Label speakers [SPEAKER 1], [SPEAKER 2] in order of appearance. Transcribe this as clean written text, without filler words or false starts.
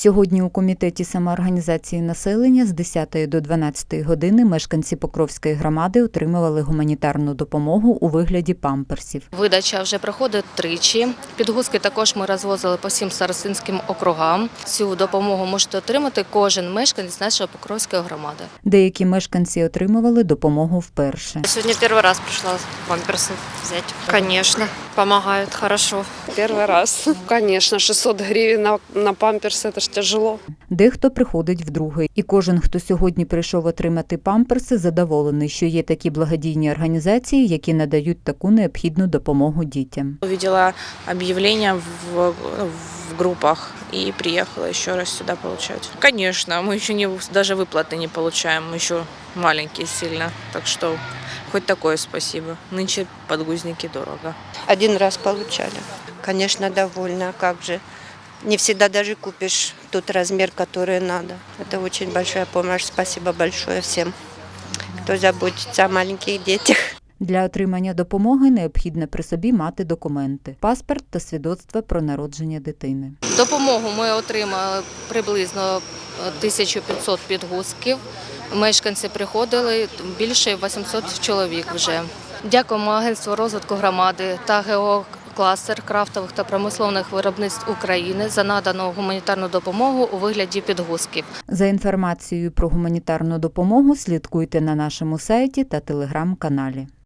[SPEAKER 1] Сьогодні у Комітеті самоорганізації населення з 10 до 12 години мешканці Покровської громади отримували гуманітарну допомогу у вигляді памперсів.
[SPEAKER 2] Видача вже проходить тричі. Підгузки також ми розвозили по 7 старостинським округам. Цю допомогу можете отримати кожен мешканець нашої Покровської громади.
[SPEAKER 1] Деякі мешканці отримували допомогу вперше.
[SPEAKER 3] Сегодня первый раз пришла памперсы взять. Конечно, помогают хорошо.
[SPEAKER 4] Первый раз. Конечно, 600 гривен на памперсы, это ж тяжело.
[SPEAKER 1] Дехто приходить вдруге. І кожен, хто сьогодні прийшов отримати памперси, задоволений, що є такі благодійні організації, які надають таку необхідну допомогу дітям.
[SPEAKER 5] Увидела объявление в группах и приехала еще раз сюда получать. Конечно, мы еще даже выплаты не получаем, мы еще маленькие сильно, так что хоть такое спасибо. Нынче подгузники дорого.
[SPEAKER 6] Один раз получали. Конечно, довольна, как же. Не всегда даже купишь тот размер, который надо. Это очень большая помощь. Спасибо большое всем, кто заботится о маленьких детях.
[SPEAKER 1] Для отримання допомоги необхідно при собі мати документи – паспорт та свідоцтво про народження дитини.
[SPEAKER 2] Допомогу ми отримали приблизно 1500 підгузків. Мешканці приходили, більше 800 чоловік вже. Дякуємо Агентству розвитку громади та ГО-кластер крафтових та промислових виробництв України за надану гуманітарну допомогу у вигляді підгузків.
[SPEAKER 1] За інформацією про гуманітарну допомогу слідкуйте на нашому сайті та телеграм-каналі.